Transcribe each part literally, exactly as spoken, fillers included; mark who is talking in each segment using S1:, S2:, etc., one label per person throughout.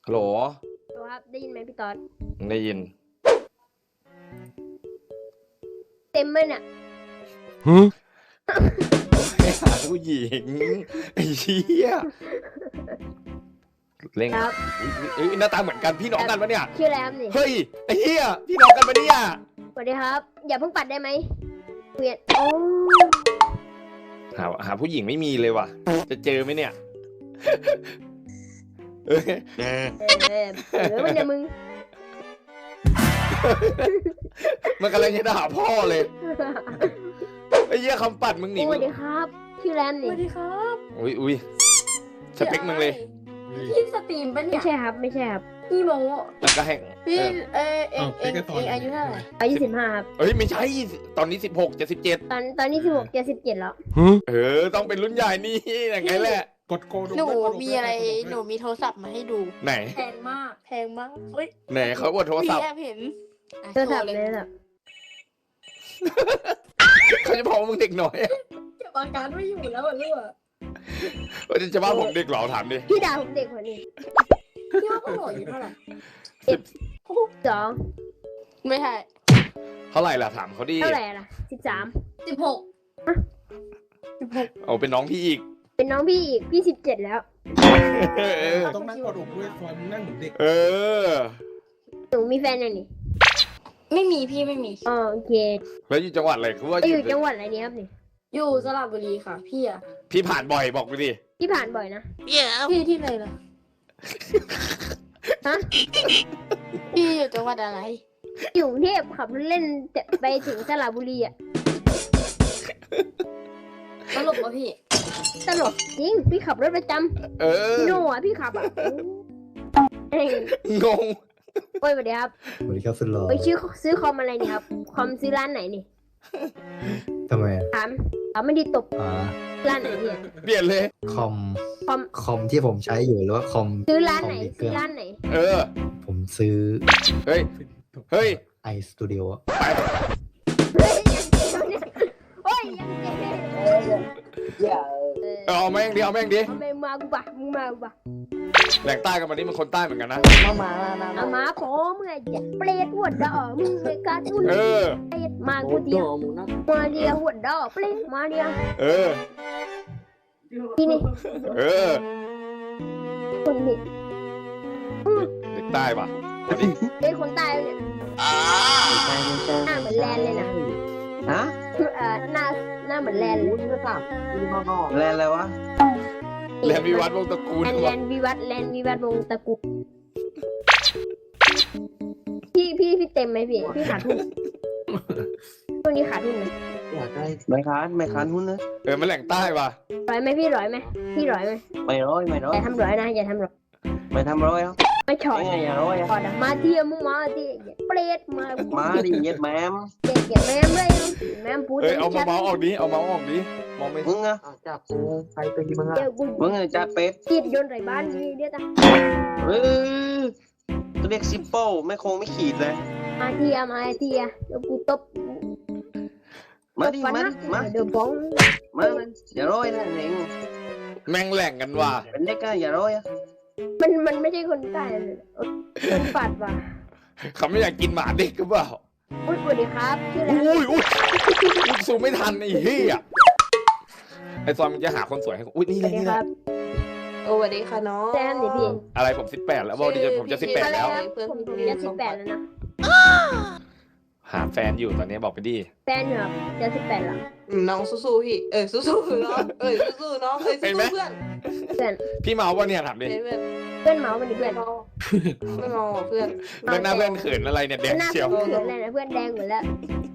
S1: ฮัลโหล
S2: ครับได้ยินไหมพี่ต๊อด
S1: ได้ยิน
S2: เต็มไหมเนี่ย
S1: ฮึไปหาผู้หญิงไอ้เหี้ยเล่ง
S2: ครับ
S1: เอ้ยหน้าตาเหมือนกันพี่น้องกันปะเนี่ย
S2: ชื่ออะไรครับนี่
S1: เฮ้ยไอ้เหี้ยพี่น้องกันปะเนี่ย
S2: สวัสดีครับอย่าเพิ่งปัดได้ไหมเปลี่ยนโอ้
S1: หาหาผู้หญิงไม่มีเลยว่ะจะเจอไหมเนี่ยเอ้ย
S2: เออเออเออมันเนี่ยมึง
S1: มันกำลังจะด่าพ่อเลยไอ้เหี้ยคำปัดมึงหนี
S2: สวัสดีครับชื่อแรม
S3: ส
S2: นี่
S3: วัสดีครับ
S1: อุ้ยอุ้ยสเปคมึงเลย
S3: พี่สตรีมปะ
S2: ไม่
S3: เนี่ย
S2: ใช่ครับไม่ใช่ครับ
S3: พี่โม
S1: แล้วก็แห้ง
S3: พี่
S1: เออ
S3: เออเองเองเองอายุเท่าไหร่
S2: อายุสิบห้าครับ
S1: เอ้ยไม่ใช่ตอนนี้สิบหกจะสิบเจ็ด
S2: ตอนตอนนี้สิบหกจะสิบเจ็ดแล้ว
S1: เออต้องเป็นรุ่นใหญ่นี่อย่างไงแหละ
S4: กดโกด
S3: หนูมีอะไรหนูมีโทรศัพท์มาให้ดู
S1: ไหน
S3: แพงมากแพงมากเฮ้ย
S1: ไหนเขาอวดโทรศัพท์
S3: พี่แอบเห็นอ่ะ
S2: โทรศัพท์
S3: โชว์
S2: เลยแบบ
S1: เขาจะบอกว่ามึงเด็กน้อยอะ
S3: เก็บอาการไม่อยู่แล้วอ่ะลูก
S1: เขาจะว่าผมเด็กเหรอถามดิ
S2: พี่ดาวผมเด็กกว่านี้
S3: พี่ว่าพ่อหล่ออยู่เท่าไหร่
S1: สิบ
S2: สอง
S3: ไม่ใช่
S1: เท่าไหร่ล่ะถามเขาดิ
S2: เท่าไหร่ล่ะสิบสาม
S3: สิบหกสิบหก
S1: เอาเป็นน้องพี่อีก
S2: เป็นน้องพี่อีกพี่สิบเจ็ดแล้ว
S1: เออ
S4: ต้องนั่งกระดกด้วยซอยมึงนั่งเหมือนเด็ก
S1: เออ
S2: หนูมีแฟนยังนี่
S3: ไม่มีพี่ไม่มี
S2: อ๋อโอเค
S1: แล้วอยู่จังหวัดอะไรคือว่า
S2: จะอยู่จังหวัดอะไรเนี่ยครับนี่
S3: อยู่สระบุรีค่ะพี่อะ
S1: พี่ผ่านบ่อยบอกไปดิ
S2: พี่ผ่านบ่อยนะ
S3: พี่ที่ไหนล่ะ
S2: ฮะ
S3: พี่อยู่จังหวัดอะไร
S2: อยู่กรุงเทพขับรถเล่นจะไปถึงสระบุรีอ่ะ
S3: ตลกปะพี่
S2: ตลกจริงพี่ขับรถประจ
S1: เออ
S2: ำพี่โน่อะพี่ขับอ่ะเอ้ย
S1: งง
S2: โอ้ยสวัสดีครับ
S5: สวัสดีครับสุดหล่อ
S2: ไปซื้อซื้อคอมอะไรนี่ครับคอมซื้อร้านไหนนี่
S5: ทำไมอะ
S2: ถามถามไม่ดีตบ
S5: อ่า
S2: ร้านไหนเนี่ย
S1: เปลี่ยนเลย
S5: คอม
S2: คอม
S5: คอมที่ผมใช้อยู่หรือว่าคอม
S2: ซื้อร้านไหน
S5: คอมอีกเค
S2: ซื้
S5: รื่
S2: อ
S5: อง
S2: ร้านไหน
S1: เออ
S5: ผมซื้อ
S1: เฮ้ยเฮ้ย
S5: ไอสตูดิโอ
S1: ไป
S2: เฮ้ยยังเจ๋งเนี่ยโอ้ยยังเจ๋งเออ
S1: เอาแม่งดิเอาแม่งดิ
S2: เอาไปมากูปะมึงมากูปะ
S1: แหล่งใต้กันมานี่มันคนใต้เหมือนกันนะ
S2: เอามาขอมึงไงอย่าเปรตหัวดอกมึงเลยการทุน
S1: เออ
S2: เปรตมากูเดียวมาเดียวหัวดอกเปรตมาเดียว
S1: เออ
S2: ที่นี่
S1: เออ
S2: คนนี้
S1: เด็กใต้ปะเอาดิ
S2: เป็นคนใต้เนี่ยหน้าเหมือนแลนเลยนะ
S6: ฮะ
S2: เอ่อหน้าหน้าเหมือนแลนเลย
S6: แลนอะไรวะ
S1: แลนวิวัฒน์วงศ์ตระกูล
S2: แลนแล
S1: วะ
S2: นวิวัฒน์แลนวิวัฒน์วงศ์ตระกูลพี่พี่พี่เต็มไหมพี่พี่ขาดทุนช่วงนี้ขาดทุนไหม
S6: ไม่ค้านไม่ค้านหุ้นนะ
S1: เออมันแหล่งใต้ปะ
S2: ร้อยไหมพี่ร้อยไหมพี่ร้อยไหม
S6: ไม่ร้อยไม่ร้อ
S2: อย ย่าทำร้อยนะอย่าทำร้อย
S6: ไม่ทำร้อยอ่ะ
S2: ไม่ฉอด
S6: ไม่ไงอย่าร้อยอ่ะ
S2: ฉอดอะมาเทียมมึงมาเทียอย่าเปรตมา
S6: มาดิเย็ดแมม
S2: เด็กอย่าแม่เลยแม่พูด
S1: เอ้ยเอามาเมาส์ออกดิเอาเมาส์ออกดิมองไม่
S6: มึงอ่ะ
S5: จับกูใครตีมึง
S2: เดี๋ยวกู
S6: มึงอ่ะจัดเป็ด
S2: จีดโยนใส่บ้านนี่เดี๋ยวจ้ะ
S6: เออตัวเรียกซิปเปิลไม่คงไม่ขีดเลย
S2: มาเทียมาเทียเดี๋ยวกูตบ
S6: มาดิมาดิมา
S2: เดี๋ยวบ้อง
S6: มามาอย่าร้อยนะเอง
S1: แม่งแหล่งกันว่ะ
S6: เป็นเด็กอ่ะอย่าร้อยอ่ะ
S2: มันมันไม่ใช่คนใต้เลยคนปัดว่ะ
S1: เขาไม่อยากกินหมาเด็กหรือเปล่า
S2: อุ้ยสวัสดีครับชื่ออะไร
S1: อุ้ยอุ้ยลูกซูมไม่ทันไอ้เหี้ยไอ้ซอยมันจะหาคนสวยให้กูอุ้ยนี่
S2: ส
S1: เล
S2: วั
S1: ย
S2: สดี
S1: นี่
S2: ค
S1: แห
S2: รั
S1: ละ
S2: บ
S3: โอ้สวัสดีค่ะน้อง
S2: แซมนี่พี่
S1: อะไรผมสิบแปดแล้วบอกดิจะผมจะสิบแปดแล้ว
S2: ผมผมจะสิบแปดแล้วนะ
S1: หาแฟนอยู่ตอนนี้บอกไปดิ
S2: แฟนอยู่ครับจะสิบแปดแล้ว
S3: น้องสู้ๆพี่เออสู้ๆน้องเออสู้ๆน้องเออสู้ๆเพื่อน
S2: เพื่อน
S1: พี่เมาส์ป่ะเนี่ยถามดิ
S3: เพื่อน
S2: เพื่อนเมาส์มันดิเพื่อน
S3: ไม่มองเพื่อน
S1: เรื่องหน้าเพื่อนเขินอะไรเนี่ยแดง
S2: หน้า
S1: เชียว
S2: เขินเลยนะเพื่อนแดงหมดแล้ว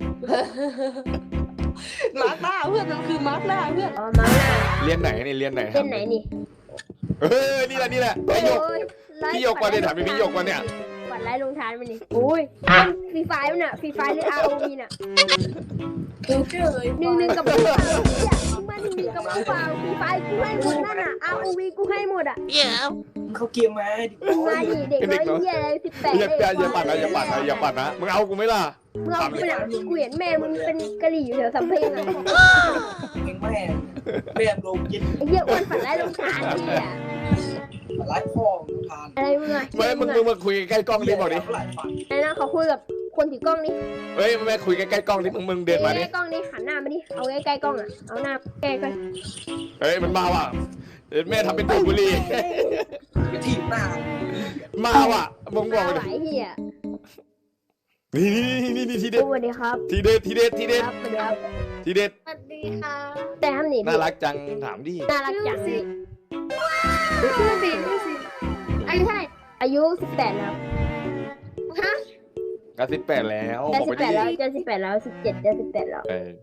S3: มาร์คหน้าเพื่อนมันคือมาร์คหน้าเพื่อน
S2: อ๋อเมาส์หน้า
S1: เรียนไหนนี่เรียนไหน
S2: เส้นไหนนี่
S1: เออนี่แหละนี่แหละไอ้หยก พี่หยกมาเนี่ยถามพี่หยกมาเนี่ย
S2: ปัดไล่ลงทานมันนี่อุ้ยฟรีไฟมันน่ะฟรีไฟหรือ อาร์ โอ วี น่ะ
S3: กูเจอเลย
S2: หนึ่งหนึ่งกับผู้เปล่าเนี่ยมึงมาหนึ่งหนึ่งกับผู้เปล่าฟรีไฟกูให้หมดนั่นน่ะ อาร์ โอ วี กูให้หมดอ่ะ
S6: เขาเกียร์มา
S2: มึงมาดิเด็กน้อยเหี้ยอะไรสิบแปด
S1: อย่าอย่าอย่าปัดนะอย่าปัดนะอย่าปัดนะมึงเอากูไหมล่ะ
S2: มึงเอาไปหนังกูเห็นแม่มึงเป็นกะหรี่อยู่แถวสำเพ็งอ่ะ
S6: แม่แม่ลงยิน
S2: ไอ้เหี้ยอ้วนปัดไล่ลงทานนี่อ่ะ
S7: ไลฟ์ของทาน
S2: อะไรมึงอะ
S1: ไม่มึงมึงมาคุยใกล้ๆกล้องดิบอกดิ
S7: หลายฝัน
S2: ไอ้นะเขาคุยกับคนถือกล้องนี่
S1: เฮ้ยแม่คุยใกล้ๆกล้องดิมึงมึงเดินมาดิ
S2: ใกล้ๆกล้องนี่หันหน้ามาดิเอาใกล้ๆกล้องอะเอาหน้าใกล้
S1: เฮ้ยมันมาว่ะเดี๋ยวแม่ทำเป็นดูดบุหรี่
S7: ไปถีบหน้า
S1: มาว่ะมึง
S2: ๆ
S1: บอก
S2: มา
S1: ไป
S2: ไหว
S1: ดิ
S2: เฮีย
S1: นี่นี่นี่นี่ทีเด็ด
S2: สวัสดีครับ
S1: ทีเด็ดทีเด็ดทีเด็ด
S2: ครับสวัสดีครับ
S1: ทีเด็ด
S8: สวัสดีค่ะ
S2: แต่ทำหนี
S1: น่ารักจังถามดิ
S2: น่ารักจังนี่
S8: ชื่อสิชื่อสิอายุเท่าไหร่
S2: อายุสิบแปดแล้ว
S8: ฮะ
S1: ก็สิบแปดแล้ว
S2: จะ
S1: บอก
S2: สิ
S1: ไป
S2: บแป
S1: ดิ
S2: ดแล้วจะสิบแปดแล้วสิบเจ็ดจะสิบแปดแล้ว
S1: เออ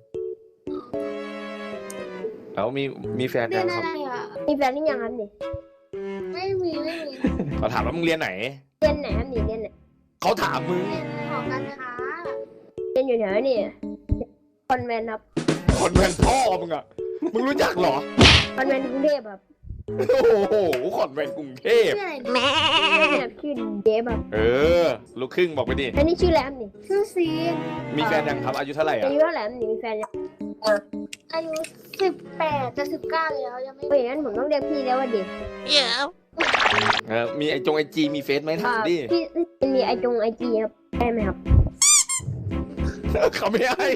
S1: แล้วมีมีแฟน
S8: เรี
S1: ยั
S8: ยน
S1: งค
S8: อะ
S1: รับ
S8: ไรอ่ะ
S2: มีแฟนหรือยังครับนี่
S8: ไม่มีไม่มี
S1: เขาถามว่ามึงเรียนไหน
S2: เรียนไหนครับนี่เรียนไหน
S1: เขาถามมึง
S8: เรียนหอการค้า
S2: เรียนอยู่แถวนี่คอนแวนต์ครับ
S1: คนแมนพ่อมึงอ่ะมึงรู้จักเหรอ
S2: คอนแวนต์กรุงเทพครับ
S1: โอ้โหขอนแมนกรุงเทพ
S8: ชื่ออะไร
S2: แม่ชื่อเดฟครับ
S1: เออ ลูกครึ่งบอกไปดิ
S2: แล้วนี่ชื่อแรมนี่
S8: ชื่อซีน
S1: มีแฟนยังครับ อายุเท่าไหร่
S2: อา
S1: อ่ะ
S2: ยุเท่าไหร่ครับนี่มีแฟนยัง
S8: อายุสิบแปดจะสิบเก้าแล้วยังไม่
S2: เฮ้ยงั้นผมต้องเรียกพี่แล้วว่าเด็ก
S1: เออมีไอจงไอจีมีเฟซไหมถามดิ
S2: พี่พี่มีไอจงไอจีครับได้ไหมครับ
S1: เขาไม่ให้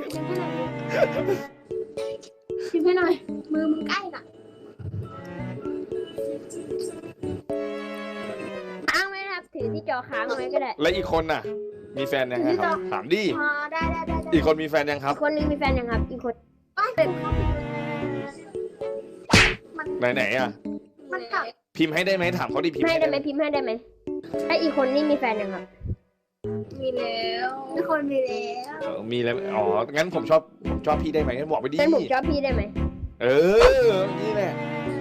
S8: ชิมให้หน่อยมือมึงใกล้น่ะ
S2: ค้างไว้นะครับถือที่จอค้างไว้ก็ได้
S1: แล้วอีกคนน่ะ มีแฟนยังไงครับ ถามดิ
S8: อ๋อได้ได้ได้ได้
S1: อีกคนมีแฟนยังครับ
S2: อีกคนนึงมีแฟนยังครับ อีกคน
S8: ไม่มัน
S1: ไหนไหนๆอ่ะ
S8: มันกลับ
S1: พิมพ์ให้ได้ไหมถามเขาดิพิมพ์
S2: ให้
S1: ให้
S2: ได้
S1: ได้
S2: ไห
S1: ไห
S2: ม
S1: ม
S2: พิมพ์ให้ได้ไหมถ้าอีกคนนี่มีแฟนยังครับ
S8: มีแล้วทุกคนมีแล้ว
S1: เออมีแล้วอ๋องั้นผมชอบผมชอบพี่ได้ไหมงั้นบอกไปดิ
S2: งั้นผมชอบพี่ได้ไหม
S1: เออนี่แหละ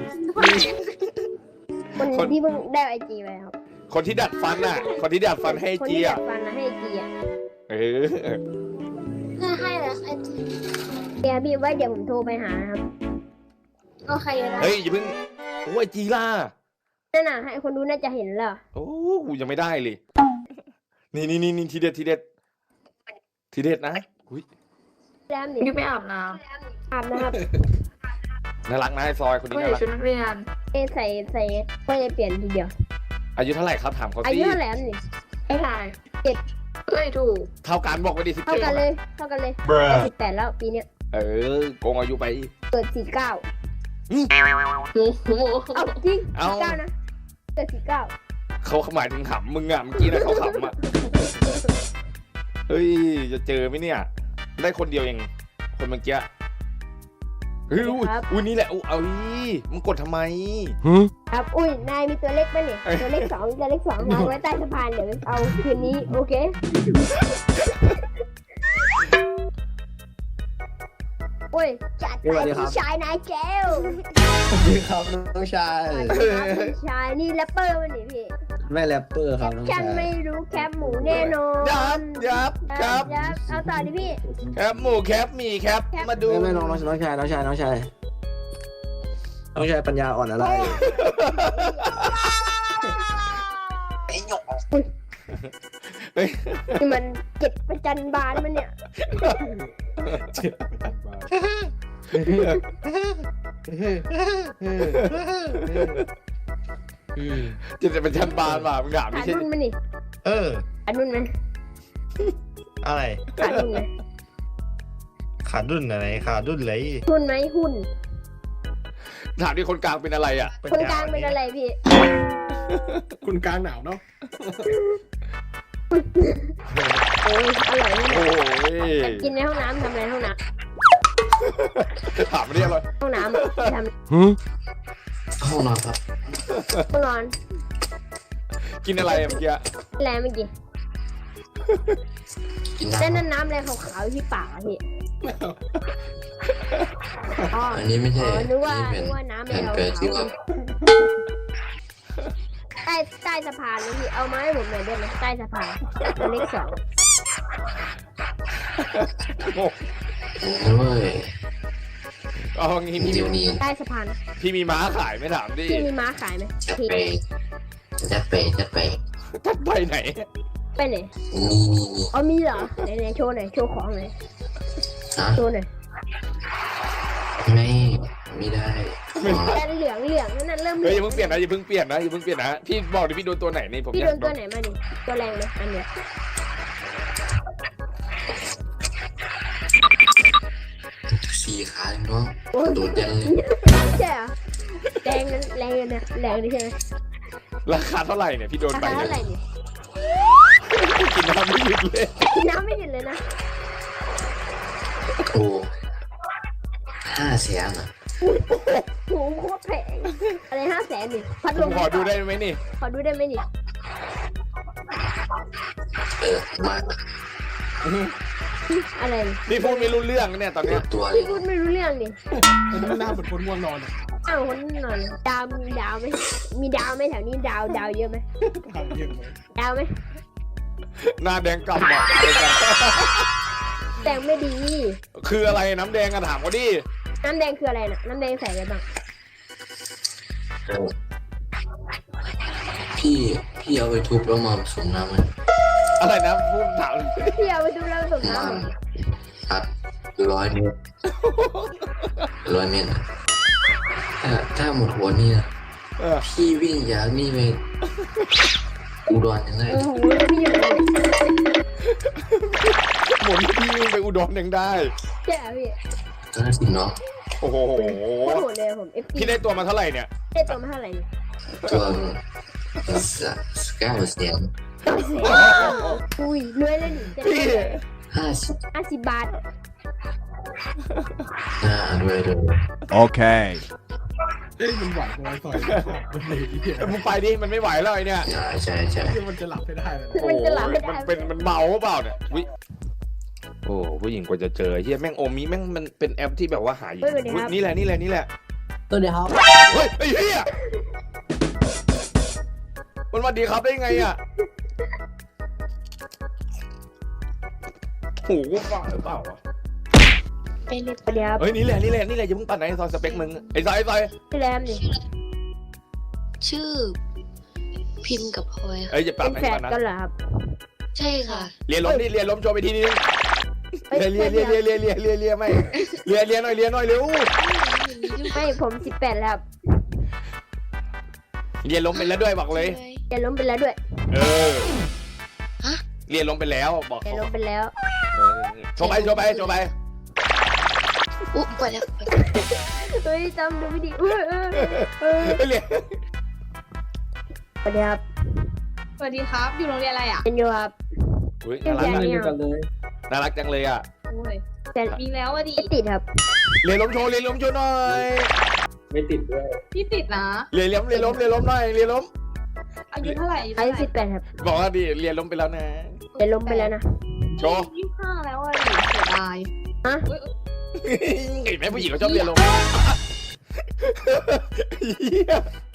S2: คน
S1: คน
S2: ที่เพิ่งได้ไอจีไปครับ
S1: คนที่ดัดฟันน่ะ คนที่ดัดฟันให้
S2: คน
S1: จี
S2: ที่ดั
S1: อ่ะ
S2: ดฟันนะให้จีอ่ะ
S1: เออ
S8: เพื่อให้แล้วไอจี
S2: เดี๋ยวพี่ไว้เดี๋ยวผมโทรไปหานะครับ
S8: โอเคได้
S1: เฮ้ยอย่าเพิ่งโอ้ยจีล่า
S2: นั่นน่ะให้คนดูน่าจะเห็นแล้ว
S1: โอ้กูยังไม่ได้เลย นี่นี่นี่นี่ทีเด็ดทีเด็ดทีเด็ดนะอุ้ย
S2: แรมนี่
S9: นี่ไปอาบน้
S2: อาบนะครับ
S1: น่ารักนะไอซอยคน
S9: ำ
S1: นี้
S9: ไม่
S1: น่า
S9: ใส่
S1: รัก
S9: ชุดนักเรียน
S2: เอยใส่ใส่ไม่ได้เปลี่ยนทีเดียว
S1: อายุเท่าไหร่ครับถามเขา
S2: อา
S1: สิ
S2: ยุเท่าไหร่ครับนี่
S9: ไม่ถ่าย
S2: เจ็ด
S9: เอ้ยถูก
S1: เท่ากันบอกไปดิสิบ
S2: เท่า
S1: เจ็ด
S2: กันเลย เท่ากันเลยสิบแปดแล้วปีเนี้ย
S1: เออโกงอายุไป
S2: เกิดสี่เก้า
S9: โอ้โห
S2: เอาจริง
S1: เอา
S2: สี่เก้านะเกิดสี่เก้า
S1: เขาหมายถึงขำมึงอ่ะเมื่อกี้นะเขาขำอ่ะเฮ้ยจะเจอไหมเนี่ย ได้คนเดียวเองคนเมื่อกี้เฮ้ยอุ้ยอุ้ยนี่แหละอุ้ยเอาดิมึงกดทำไม
S2: ครับอุ้ยนายมีตัวเล็กป่ะเนี่ยตัวเล็กสองตัวเล็กสองวางไว้ใต้สะพานเดี๋ยวเอาคืนนี้โอเคโอ้ยจัดไปพี่ชายนายเจล
S5: สวัสดีครับน้องชาย
S2: พี่ชายนี่แรปเปอร์มันนี่พี่
S5: ไม่แรปเปอร์ครับน้อง
S2: ฉั
S5: ชาน ย
S2: ไม่รู้แคปหมูแน่นอน
S1: ยับยับครับ
S2: ยับเอาต่อดิพี่
S1: แคปหมูแคปหมีแคปมาดู
S5: ไม่ไม่น้องน้องน้องชายน้องชายน้องชายน้องชายปัญญาอ่อนอะไร
S2: นี่มันเจ็ดประจันบานมันเนี่ย
S1: จะจะเป็นชั้นบานป่ะมึงถามไม่
S2: ขาด
S1: ใช่
S2: นุ่นมันนี่
S5: เออ
S2: ขาดนุ่นไหม
S5: อะไร
S2: ขาดนุ่นไหม
S5: ขาดุนอะไรขาดุนเลย
S2: หุ้นไหมหุ้น
S1: ถามที่คนกลางเป็นอะไรอ่ะ
S2: คนกลางเป็นอะไรพี่
S4: คุณกลางหนาวเนาะ
S2: โอ้ยอร่อยนี่
S1: โอ้
S2: นะ
S1: ย
S2: กินในห้องน้ำทำอะไรในห้องน้
S1: ถามไม่ได้เลย
S2: ำห้องน้ำอะไปทำ
S5: ห้องนอนครับ
S2: ห้องนอน
S1: กินอะไรอะเมื่อกี้
S2: แรงเมื่อกี้แล้วนั่นน้ำอะไรขาวๆอยู่ที่ปากอะพี่อ๋อ
S10: อันนี้ไม่ใช่
S2: อ๋อนึกว่า
S10: นี่
S2: นึก
S10: เป็
S2: ว่าน น้ำอะไร
S10: แผ่น
S2: ขาว
S10: แปดสิบ
S2: ๆใต้ใต้สะพานเลยพี่เอามาให้ผมหน่อยได้ไหมใต้สะพานตัวเลขสอง
S1: โอ้
S10: โอ้ย
S1: เอางี้พี่
S10: เดี๋ยวนี้
S2: ใต้สะพาน
S1: พี่มีม้าขายไหม่ถามดิ
S2: พี่มีม้าขายไหม
S10: จะ
S2: พี่
S10: ไปจะไปจะไป
S1: ทัดไปไหน
S2: ไปไหน
S10: นี่นี่นี่
S2: อ๋อมีเหรอไหนไหนโชว์หน่อยโชว์ของหน่อย
S10: ฮะ
S2: โชว์หน่อย
S10: ไม่ไม่ได้
S1: ทไม่ได้
S2: แต่เหลืองเหลืองนั่นนะเริ่มเห
S1: เฮ้
S2: ลื
S1: ย
S2: อ
S1: อย่าง เพิ่งเปลี่ยนนะอย่าเพิ่งเปลี่ยนนะอย่าเพิ่งเปลี่ยนนะพี่บอกดิพี่โดนตัวไหนนี่ผม
S2: พี่
S1: อ
S2: โด
S1: ยาก
S2: นตัวไหนมาดิตัวแรงไหมอันเนี้ย
S10: สี่ขาเลยเนาะ
S2: โอ้ย
S10: โดดยันเลย
S2: ใช่เหรอแรงนั้นแรงนะแรงนี่ใช่ไหม
S1: ราคาเท่าไหร่เนี่ยพี่โดน
S2: รา
S1: ไป
S2: คา
S1: เนี่
S2: เท่าไหร่
S1: ย
S2: นี่
S1: กินน้ำไม่หยุดเลย
S2: กินน้ำไม่หยุดเลยนะ
S10: โอ้ห้าแสนอ่ะ
S2: โหโคตรแพงอะไรห้าแสนนี่พัด
S1: ผ
S2: ล
S1: ม
S2: ม
S1: ขอดูได้ไหมนี่
S2: ขอดูได้ไหมนี่
S10: เออมา
S2: อะไรนี่
S1: นี่พูดไม่รู้เรื่องเนี่ยตอน
S10: ตั
S1: เนี้
S10: วย ตัวเล
S2: พี่
S10: ย
S2: พูดไม่รู้เรื่องดิ
S4: มันหน้าเหมือนคนง่วงนอนอะ
S2: อ้าวคนนอนดาวมีดาวไหมมีดาวไหมแถวนี้ดาวดาวเยอะไหม
S4: ทำเยี่ยมเลย
S2: ดาวไหม
S1: หน้าแดงกำอ่ะเดียวกัน
S2: แดงไม่ดี
S1: คืออะไรน้ำแดงอะถามเขาดิ
S2: น้ำแดงคืออะไรน่ะน้ำแดงใส่อะไรบ้าง
S10: เออพี่พี่เอาไปทุบแล้วมาผสมน้ำมัน
S1: อะไรนะพูดถาม
S2: พี่เอาไปดูแล้วส่ง
S10: มา
S2: น้ำเหรอ
S10: ครับร้อยเมตรร้อยเมตรอะถ้าถ้าหมดหัวนี่นะ
S1: เออ
S10: พี่วิ่งจากนี่ไปอุดรยังไง
S2: โอ้โหพี่อยู่ไหนเนี่ย
S1: หมุนพี่วิ่งไปอุดรยังได้
S2: ใช่เหรอพี่
S10: ก็น่าสิเนาะ
S1: โอ้โห
S2: โคตรโหดเลยผม เอฟ ซี
S1: พี่ได้ตัวมาเท่าไหร่เนี่ย
S2: ได้ตัวมาเท่าไหร่เนี่ย
S10: ตัวสเก้าเสียง
S2: อุ้ยรวยเลยนี่จะ
S1: พี่
S10: ห้าสิบ
S2: ห้าสิบบาท
S10: หน้าด้วยเลย
S11: Okay.
S4: เอ้ยมันไหวกว่าไอ้ต่อยมันเลยไอ้เหี้ย
S1: มึงไปดิมันไม่ไหวแล้วไอเนี่ย
S10: ใช่ใช่ใช่
S4: มันจะหลับไม่ได้เลย
S1: โอ้
S2: มัน
S1: โห
S2: จะหลับไม่ได้
S1: มันเป็นมันเมาเปล่าเนี่ยวิโอ้ผู้หญิงกว่าจะเจอเฮียแม่งโอมิแม่งมันเป็นแอปที่แบบว่าหาอยู่อุ๊ยนี่แหละนี่แหละนี่แหละ
S5: ตัวเดียวครับ
S1: เฮ้ยไอ้เฮียมันมาดีครับได้ไงอ่ะโอ้โหบ้าหรือเปล่าวะ
S2: ไปเล็บเดียว
S1: เฮ้ยนี่แหละนี่แหละนี่แหละอย่าเพิ่งปัดไหนซอยสเปคมึงไอ้ซอยไอ้ซอย
S2: พี่แรมนี่
S9: ชื่อ พิมพ์กับพลอย
S1: เอ้ยอย่าปั
S2: เป็
S1: ด
S2: น
S1: ไหน
S2: แฟ
S1: ก่อน นนะ
S2: กันเหรอครับ
S9: ใช่ค่ะ
S1: เรียนล้มดิเรียนล้มโชว์ไปทีนึง
S2: เอ้ย
S1: เรียนเรียนเรียนเรียนเรียนเรียนเรียนไม่เรียนเรียนหน่อยเรียนหน่อยเร็ว
S2: ไม่ผมสิบแปดแล้วครับ
S1: เรียนล้มไปแล้วด้วยบอกเลย
S2: จะล้มไปแล้วด้วย
S1: เออ
S9: ฮะ
S1: เรียนล้มไปแล้วบอก
S2: จะ
S1: เขา
S2: ล้มไปแล้ว
S1: เออโชว์ไปโชว์ไปโชว์ไป
S9: อุ๊บไปแล้ว
S2: เฮ้ยจำดูไม่ดีเออเออเออ
S1: ไม่เรียน
S2: สวัสดีครับ
S3: สวัสดีครับ อยู่โรงเรียนอะไรอ่ะ
S2: เป็นโยครับ
S1: อุ้ยน่ารัก
S2: เรียน
S1: จัง
S2: เรียน
S1: น่ารักจังเลยอ่ะ
S3: โอ้ย
S2: แต่
S3: มีแล้วอะดิ
S2: ไม่ติดครับ
S1: เรียนล้มโชว์เรียนล้มโชว์หน่อย
S5: ไม่ติดด้วย
S3: พี่ติดนะ
S1: เรียนล้มเรียนล้มเรียนล้มหน่อยเรียนล้ม
S3: อายุเท่าไหร่อายุ
S2: อา
S3: เท่า
S2: ยุ
S3: ไหร่
S2: สิบแปดครับ
S1: บอกว่าดิเรียนล้มไปแล้วนะ
S2: จะล้มไปแล้วนะ
S1: โชว์
S3: ยี่สิบห้าแล้วอะดิเสียดาย
S2: ฮะ
S3: อุ๊ย
S1: เห็นไหมผู้หญิงเขาชอบเรียนล้มเหี้ย